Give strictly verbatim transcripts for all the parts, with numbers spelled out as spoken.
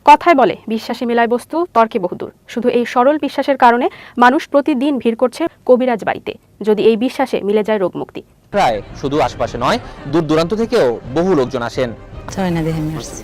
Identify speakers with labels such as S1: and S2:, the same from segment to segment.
S1: কথায় বলে বিশ্বাসে মেলায় বস্তু, তর্কে বহুদূর। শুধু এই সরল বিশ্বাসের কারণে মানুষ প্রতিদিন ভিড় করছে কবিরাজ বাড়িতে, যদি এই বিশ্বাসে মিলে যায় রোগ মুক্তি।
S2: প্রায় শুধু আশপাশে নয়, দূর দূরান্ত থেকেও বহু লোকজন আসেন।
S3: ছয়না দেখে আমি আসছি।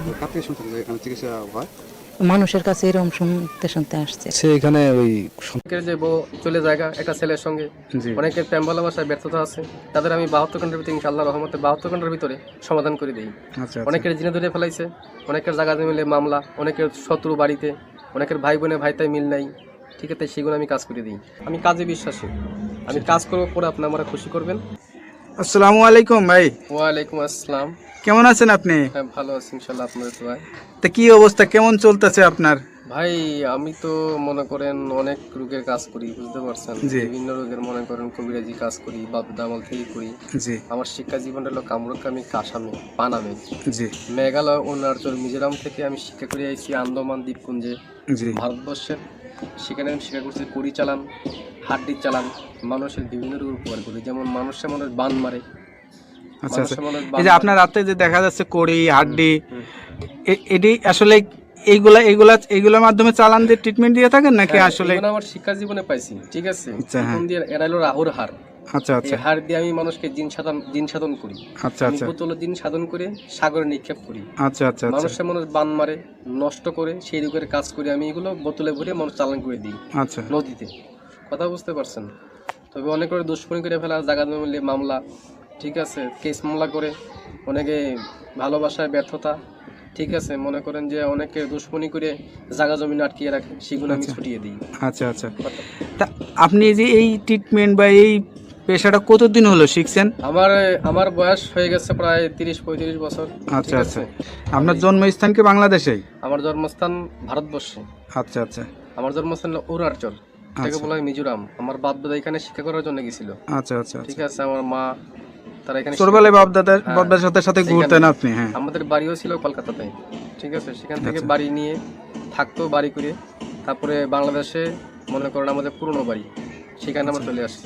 S3: মানুষের কাছে এরকম শুনতে শুনতে আসছে।
S4: সে এখানে ওই
S5: যে বউ চলে জায়গা একটা ছেলের সঙ্গে অনেকের প্রেম ভালোবাসায় ব্যর্থতা আছে, তাদের আমি বাহাত্তর ঘন্টার ভিতরে ইনশাআল্লাহ রহমতে বাহাত্তর ঘন্টার ভিতরে সমাধান করে দিই। অনেকের জিনে ধরে ফেলাইছে, অনেকের জায়গা মিলে মামলা, অনেকের শত্রু বাড়িতে, অনেকের ভাই বোনে ভাইতাই মিল নাই, ঠিক আছে, সেগুলো আমি কাজ করে দিই। আমি কাজে বিশ্বাসী, আমি কাজ করবো পরে আপনি আমরা খুশি করবেন।
S6: আসসালামু আলাইকুম ভাই।
S5: ওয়ালাইকুম আসসালাম।
S6: কেমন আছেন আপনি?
S5: হ্যাঁ ভালো আছি ইনশাআল্লাহ, আপনাদের দোয়ায়।
S6: তা কি অবস্থা, কেমন চলতেছে আপনার?
S5: ভাই আমি তো মনে করেন অনেক রোগের কাজ করি, বুঝতে পারছেন, বিভিন্ন রোগের মনে করেন কবিরাজি কাজ করি, বাপ দামাল থেকে করি। জি। আমার শিক্ষা জীবনটা হলো কামরুকামি, কাসামে, পানামে। জি। মেঘালয়, অরুণাচল, মিজোরাম থেকে আমি শিক্ষা করে আইছি আন্দামান দ্বীপপুঞ্জে, ভারতবর্ষের। সেখানে আমি শিক্ষা করছি কড়ি চালান, হাড্ডি চালান, মানুষের বিভিন্ন রোগ উপকার করি, যেমন মানুষের মানুষ বান মারে।
S6: আচ্ছা আচ্ছা, এই যে আপনার রাতে যে দেখা যাচ্ছে কড়ি হাড্ডি, এটি আসলে এইগুলা এইগুলা এইগুলোর মাধ্যমে চালান দিয়ে ট্রিটমেন্ট দিয়ে থাকেন নাকি? আসলে
S5: আমার শিক্ষা জীবনে পাইছি, ঠিক আছে। এখন দিয়ে এরা হলো রাহুর হার। আচ্ছা আচ্ছা, হার দিয়ে আমি মানুষকে জিন সাধন জিন সাধন করি। আচ্ছা আচ্ছা, বোতলে জিন সাধন করে সাগরে নিক্ষেপ করি। আচ্ছা আচ্ছা, মানুষের মানুষ বান মারে, নষ্ট করে, সেই রোগের কাজ করি আমি, এগুলো বোতলে ভরে মানুষ চালান করে দিই। আচ্ছা, নদীতে। কথা বুঝতে পারছেন? তবে অনেক করে দুশ্মনী করে ফেলা, জায়গা মিলে মামলা, ঠিক আছে, কেস মামলা করে, অনেকে ভালোবাসায় ব্যর্থতা, ঠিক আছে, মনে করেন যে অনেকে দুশ্মনী করে জায়গা জমি আটকিয়ে রাখে, সেগুলো আমি ছুটিয়ে দিই। আচ্ছা আচ্ছা,
S6: তা আপনি যে এই ট্রিটমেন্ট বা এই পেশাটা কতদিন হলো শিখছেন?
S5: আমার আমার বয়স হয়ে গেছে প্রায় তিরিশ পঁয়ত্রিশ বছর।
S6: আচ্ছা আচ্ছা, আপনার জন্মস্থান কি বাংলাদেশেই?
S5: আমার জন্মস্থান ভারতবর্ষে। আচ্ছা আচ্ছা, আমার জন্মস্থান অরুণাচল, এটাকে বলা হয় মিজোরাম। আমার বাপ দাদা এখানে শিক্ষা করার জন্য গেছিল। আচ্ছা আচ্ছা, ঠিক আছে, আমার মা তারা এখানে
S6: ছোটবেলায় বাপ দাদার বাপ দাদার সাথে সাথে ঘুরতেন আপনি? হ্যাঁ,
S5: আমাদের বাড়িও ছিল কলকাতাতে, ঠিক আছে, সেখান থেকে বাড়ি নিয়ে থাকতো, বাড়ি করে তারপরে বাংলাদেশে মনে করেন আমাদের পুরনো বাড়ি, সেখানে আমরা চলে আসছি।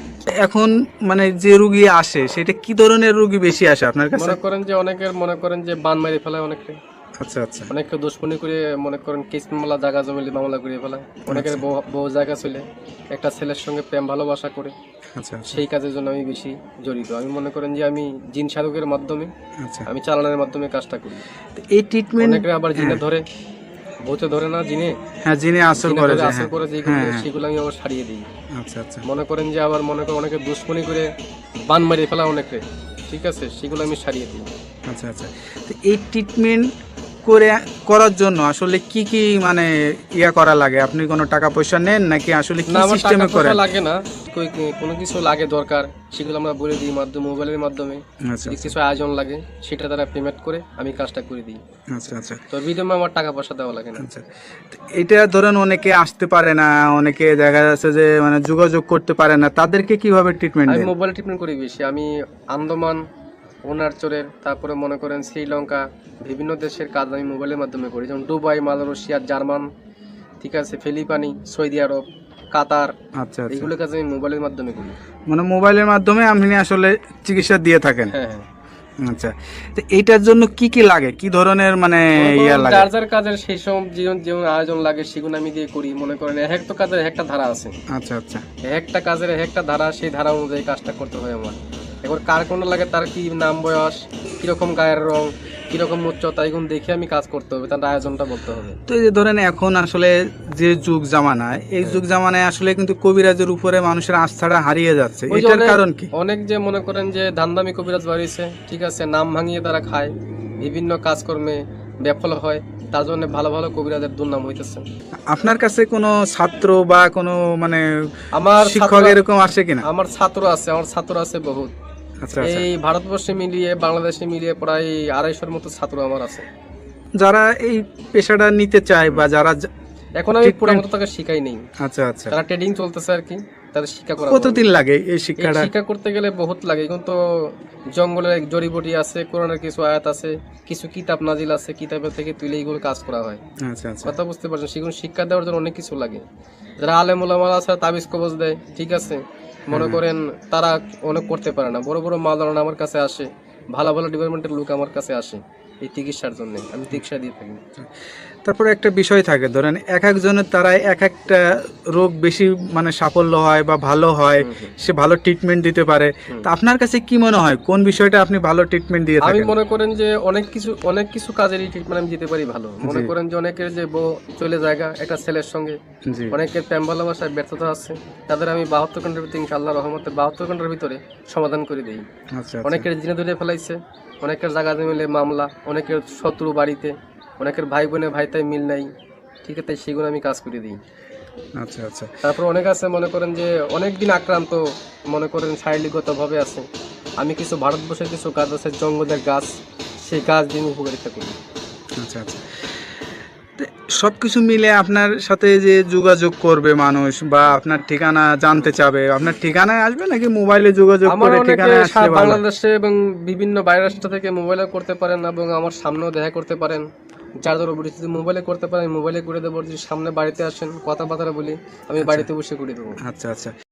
S6: এখন মানে যে রোগী আসে সেটা কি ধরনের রোগী বেশি আসে আপনার কাছে?
S5: মনে করেন যে অনেকের মনে করেন যে বান মেরে ফেলায় অনেকে। আচ্ছা আচ্ছা, অনেকে দুশ্মনী করে মনে করেন কেস মামলা, জায়গা জমি মামলা করে ফেলায়। অনেকের বহু জায়গা চলে একটা ছেলের সঙ্গে প্রেম ভালোবাসা করে। আচ্ছা, সেই কাজের জন্য আমি বেশি জড়িত। আমি মনে করেন যে আমি জিন সাধকের মাধ্যমে, আমি চালানোর মাধ্যমে কাজটা করি।
S6: এই ট্রিটমেন্ট
S5: অনেকে আবার জিনে ধরে, ভূতে ধরে না, জিনে,
S6: হ্যাঁ জিনে আসর করে,
S5: আসর করে, সেগুলো আমি আবার সারিয়ে দিই। আচ্ছা আচ্ছা, মনে করেন যে আবার মনে করেন অনেকে দুশ্মনী করে বান মারিয়ে ফেলা অনেকে, ঠিক আছে, সেগুলো আমি সারিয়ে দিই। আচ্ছা আচ্ছা,
S6: তো এই ট্রিটমেন্ট করে করার জন্য আসলে কি কি মানে ইয়া করা লাগে? আপনি কোনো টাকা পয়সা নেন নাকি আসলে কি সিস্টেমে করে?
S5: লাগে না, কোনো কিছু লাগে দরকার, সেগুলো আমরা বলে দিই মাধ্যমে, মোবাইলের মাধ্যমে। কিছু আয়োজন লাগে, সেটা তারা পেমেন্ট করে আমি কাজটা করে দিই। আচ্ছা আচ্ছা, তো বিনিময়ে আমার টাকা পয়সা দেওয়া লাগে না। আচ্ছা,
S6: এটা ধরেন অনেকে আসতে পারে না, অনেকে দেখা যাচ্ছে যে মানে যোগাযোগ করতে পারে না, তাদেরকে কিভাবে ট্রিটমেন্ট দেন?
S5: আমি মোবাইলে ট্রিটমেন্ট করি বেশি। আমি আন্দামান, অরুণাচলের, তারপরে মনে করেন শ্রীলঙ্কা, বিভিন্ন দেশের কাজ আমি মোবাইলের মাধ্যমে করি, যেমন দুবাই, মালয়েশিয়া, জার্মান, ঠিক আছে, ফিলিপাইনি, সৌদি আরব, কাতার। আচ্ছা, এইগুলো কাজ আমি মোবাইলের মাধ্যমে করি।
S6: মানে মোবাইলের মাধ্যমে আপনি আসলে চিকিৎসা দিয়ে থাকেন?
S5: হ্যাঁ হ্যাঁ।
S6: আচ্ছা, তো এইটার জন্য কি কি লাগে, কি ধরনের মানে ইয়া লাগে?
S5: যার যার কাজের সেই সব জীবন যেমন আয়োজন লাগে সেগুলো আমি দিয়ে করি। মনে করেন এক একটা কাজের একটা ধারা আছে। আচ্ছা আচ্ছা, একটা কাজের একটা ধারা, সেই ধারা অনুযায়ী কাজটা করতে হয় আমার। এবার কার কোনটা লাগে, তার কি নাম, বয়স, কিরকম গায়ের রং, কিরকম উচ্চতা, এগুলো দেখে আমি কাজ করতে হবে, তার আয়োজনটা বলতে হবে।
S6: তো এই যে ধরেন এখন আসলে যে যুগ জামানায়, এই যুগ জামানায় আসলে কিন্তু কবিরাজের উপরে মানুষের আস্থাটা হারিয়ে যাচ্ছে, এটার কারণ কি?
S5: অনেক যে মনে করেন যে ধান্দামি কবিরাজ বাড়িয়েছে, ঠিক আছে, নাম ভাঙিয়ে তারা খায়, বিভিন্ন কাজকর্মে বিফল হয়, তার জন্য ভালো ভালো কবিরাজের দুর্নাম হইতেছে।
S6: আপনার কাছে কোনো ছাত্র বা কোনো মানে আমার শিক্ষক এরকম আসে কিনা?
S5: আমার ছাত্র আছে, আমার ছাত্র আছে বহুত। এই ভারতবর্ষে মিলিয়ে বাংলাদেশে মিলিয়ে প্রায় আড়াইশোর মতো ছাত্র আমার আছে,
S6: যারা এই পেশাটা নিতে চায় বা যারা
S5: এখন আমি পুরো মতো তাকে শিখাই নেই।
S6: আচ্ছা আচ্ছা,
S5: তারা ট্রেডিং চলতেছে আর কি, তাদের শিক্ষা করা।
S6: কতদিন লাগে এই শিক্ষাটা?
S5: শিক্ষা করতে গেলে বহুত লাগে, এখন তো জঙ্গলের জড়িবটি আছে, কোরআনের কিছু আয়াত আছে, কিছু কিতাব নাজিল আছে, কিতাবের থেকে তুলে এইগুলো কাজ করা হয়। আচ্ছা আচ্ছা, কথা বুঝতে পারছেন, সেগুলো শিক্ষা দেওয়ার জন্য অনেক কিছু লাগে। যারা আলেম ওলামা আছে তাবিজ কবজ দেয়, ঠিক আছে, মনে করেন তারা অনেক করতে পারে না। বড় বড় মাওলানা আমার কাছে আসে, ভালো ভালো ডিপার্টমেন্টের লোক আমার কাছে আসে, এই চিকিৎসার জন্য আমি চিকিৎসা দিয়ে থাকি।
S6: তারপরে একটা বিষয় থাকে, ধরেন এক একজনের তারা এক একটা রোগ বেশি মানে সাফল্য হয় বা ভালো হয়, সে ভালো ট্রিটমেন্ট দিতে পারে। তা আপনার কাছে কি মনে হয় কোন বিষয়টা আপনি ভালো ট্রিটমেন্ট দিয়ে
S5: আমি
S6: থাকেন?
S5: মনে করেন যে অনেক কিছু অনেক কিছু কাজেরই ট্রিটমেন্ট আমি দিতে পারি ভালো। মনে করেন যে অনেকের যে বউ চলে জায়গা একটা ছেলের সঙ্গে,
S6: জি
S5: অনেকের প্রেম ভালোবাসায় ব্যর্থতা আছে, তাদের আমি বাহাত্তর ঘন্টার ভিতরে ইনশাআল্লাহ রহমতে বাহাত্তর ঘন্টার ভিতরে সমাধান করে দিই।
S6: আচ্ছা
S5: অনেকের জিনে ধরে ফেলাইছে, অনেকের জায়গা জমিলে মামলা, অনেকের শত্রু বাড়িতে, অনেকের ভাই বোনে ভাই তাই মিল নাই, ঠিক আছে, সেগুলো আমি কাজ করে দিই।
S6: আচ্ছা আচ্ছা
S5: তারপর অনেক আছে মনে করেন যে অনেক দিন আক্রান্ত, মনে করেন শারীরিকগতভাবে আছে, আমি কিছু ভারতবর্ষের কিছু গাছ আছে জঙ্গলের গাছ, সেই গাছ দিয়ে আমি উপকারিতা করি।
S6: আচ্ছা আচ্ছা সব কিছু মিলে আপনার সাথে যে যোগাযোগ করবে মানুষ বা আপনার ঠিকানা জানতে চাবে, আপনার ঠিকানায় আসবে নাকি মোবাইলে যোগাযোগ
S5: আমার
S6: করে
S5: অনেকে
S6: ঠিকানায় আসলে
S5: সারা
S6: ভালো?
S5: বাংলাদেশে এবং বিভিন্ন বাইরের রাষ্ট্র থেকে মোবাইলে করতে পারেন এবং আমার সামনেও দেখা করতে পারেন। যার ধরো যদি মোবাইলে করতে পারেন মোবাইলে করে দেবো, যদি সামনে বাড়িতে আসেন কথাবার্তা বলি আমি বাড়িতে বসে করে দেবো।
S6: আচ্ছা আচ্ছা